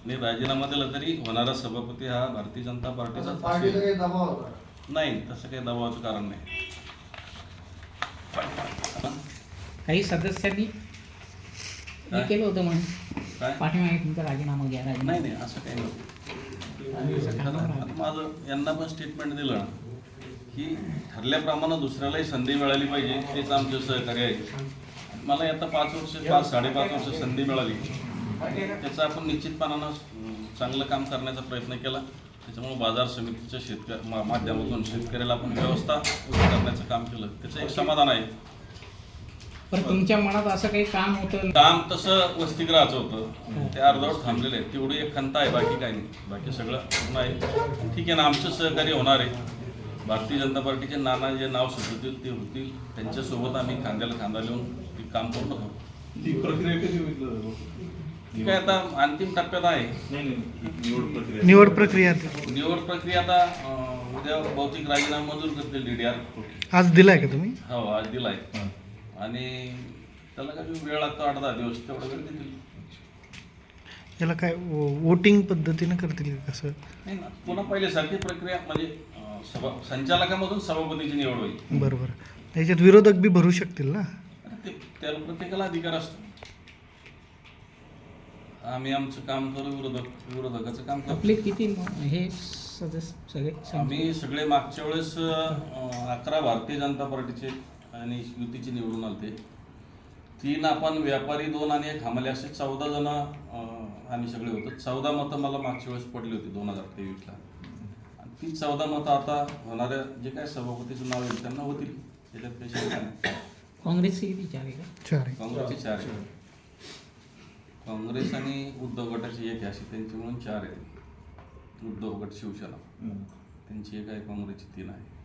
आणि राजीनामा दिला तरी होणारा सभापती हा भारतीय जनता पार्टीचा पार्टीचा काही दबाव होता? नाही, तसं काही दबावाचं कारण नाही. काही सदस्यांनी हे काय? केलं होतं म्हणून काय पाठीमागे तुमचा राजीनामा घ्या नाही नाही असं काही नव्हतं. आता माझं यांना पण स्टेटमेंट दिलं ना की ठरल्याप्रमाणे दुसऱ्यालाही संधी मिळाली पाहिजे, तेच आमचं सहकार्य आहे. मला आता 5-5.5 वर्ष संधी मिळाली, त्याचं आपण निश्चितपणानं चांगलं काम करण्याचा प्रयत्न केला. त्याच्यामुळे बाजार समितीच्या माध्यमातून शेतकऱ्याला आपण व्यवस्था उभी करण्याचं काम केलं, त्याचं एक समाधान आहे. पण तुमच्या मनात असं काही काम होतं? काम तसं वसतिगृहाचं होतं, ते अर्धवट थांबलेलं आहे. तेवढी एक खंत आहे, बाकी काही नाही. बाकी सगळं पूर्ण आहे. ठीक आहे ना, आमचं सहकार्य होणार आहे. भारतीय जनता पार्टीचे नाना जे नाव सुचवतील ते होतील, त्यांच्यासोबत आम्ही खांद्याला खांदा लावून ते काम पूर्ण करू. ती प्रक्रिया कधी होईल? ठीक आहे, आता अंतिम टप्प्यात आहे निवड प्रक्रिया निवड प्रक्रिया. आता उद्या भौतिक राजीनामा मंजूर करतील DDR. आज दिलाय का तुम्ही? हो, आज दिलाय. आणि त्याला काय वेळ लागतो 8-10 दिवस, तेवढा वेळ देतील. याला काय वोटिंग पद्धतीनं करतील का कसं? नाही ना, पुन्हा पहिल्यासारखी प्रक्रिया म्हणजे संचालकामधून सभापतीची निवड होईल. बरोबर. त्याच्यात विरोधक बी भरू शकतील ना? त्याला प्रत्येकाला अधिकार असतो. आम्ही आमचं काम करू, विरोधकाचं काम करू. आपले किती हे सदस्य सगळे? आम्ही सगळे मागच्या वेळेस 11 भारतीय जनता पार्टीचे आणि युतीचे निवडून आलते. 3 आपण व्यापारी, 2 आणि 1 हमाले, असे 14 जण आम्ही सगळे होतो. 14 मतं मला मागच्या वेळेस पडली होती 2023ला. आणि ती 14 मतं आता होणाऱ्या जे काय सभापतीचं नाव येईल त्यांना होतील, त्याच्यात काही शंका नाही. काँग्रेसचे किती 4 आहे का? 4 आहे. काँग्रेसचे 4 आहे. काँग्रेस आणि उद्धव गटाची 1 आहे, अशी त्यांची म्हणून 4 आहे. उद्धव गट, शिवसेना त्यांची 1 आहे, काँग्रेसची 3 आहे.